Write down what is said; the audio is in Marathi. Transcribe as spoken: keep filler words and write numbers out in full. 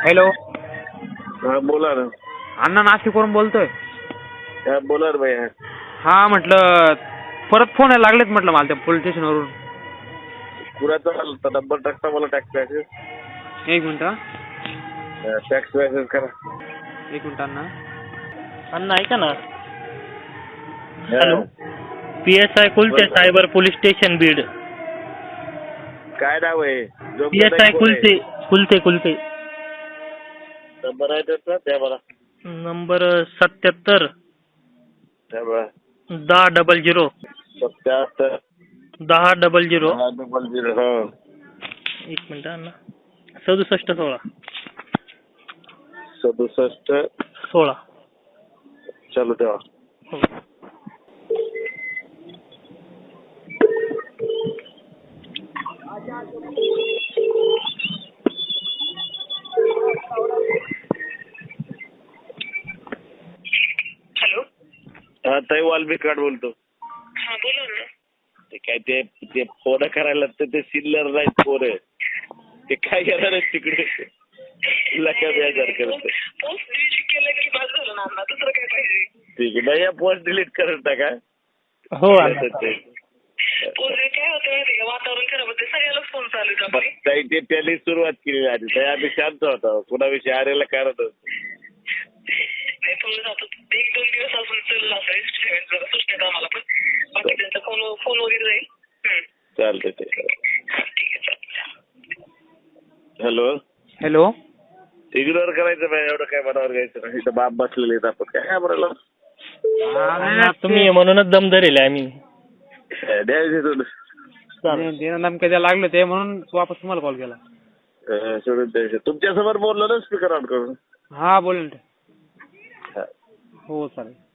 हॅलो. हा बोला ना. अण्णा नाशिकवरून बोलतोय. हा बोला रे भैया. हा म्हटलं परत फोन यायला लागलेत म्हटलं मला त्या पोलीस स्टेशनवरून. कुणाचा आला होता नंबर? टाकता मला टॅक्स मॅसेज. एक मिनिट हा. टॅक्स मॅसेज करा. एक मिनिट अण्णा. अण्णा ऐका ना. Hello. P S I Kulte cyber police station Beed. काय नाव आहे? P S I Kulte Kulte Kulte. Number आहे त्याचा द्या मला. नंबर सत्याहत्तर द्या मला. दहा डबल झिरो सत्याहत्तर दहा डबल झिरो दहा डबल झिरो हा. एक मिनिट अण्णा. सदुसष्ट सोळा सदुसष्ट सोळा. चालू ठेवा. हो. हॅलो. हा ताई वाल्मिक कार्ड बोलतो. हा बोला ना. ते काय ते ते फोन करायला तर ते सिल्लर नाहीत फोन. ते काय करणार आहे तिकडे? लका बेजार करत. पोस्ट डिलीट केलं की बस झालं ना अण्णा. दुसरं काय पाहिजे? ठीक आहे. पोस्ट डिलीट करत टाका. हो पोस्ट काय होतं माहिती का, वातावरण खराब होते, सगळ्यालाच फोन चालू आहे आपली. ताई ते त्यांनी सुरुवात केली आधी. ताई आम्ही शांत होतो. कुणाविषयी आरेला कारण नाही फोन जातो एक दोन दिवस अजून चालला असेल जरा सुचण्यात आम्हाला, पण बाकी त्यांचा फोन फोन वगैरे जाईल. चालतंय ते. ठीक आहे चालतं. हॅलो. हॅलो. इग्नोर करायचं नाही. एवढं काय मनावर घ्यायचं नाही. इथं बाप बसलेले आहेत आपण काय म्हणाला. तुम्ही म्हणूनच दम धरेल आम्ही. द्यायचे नेमकं द्यायला लागलं ते म्हणून वापस तुम्हाला कॉल केला. सोडून द्यायचे. तुमच्या समोर बोललो ना स्पीकर ऑन करून. हा बोलेल. हो चालेल.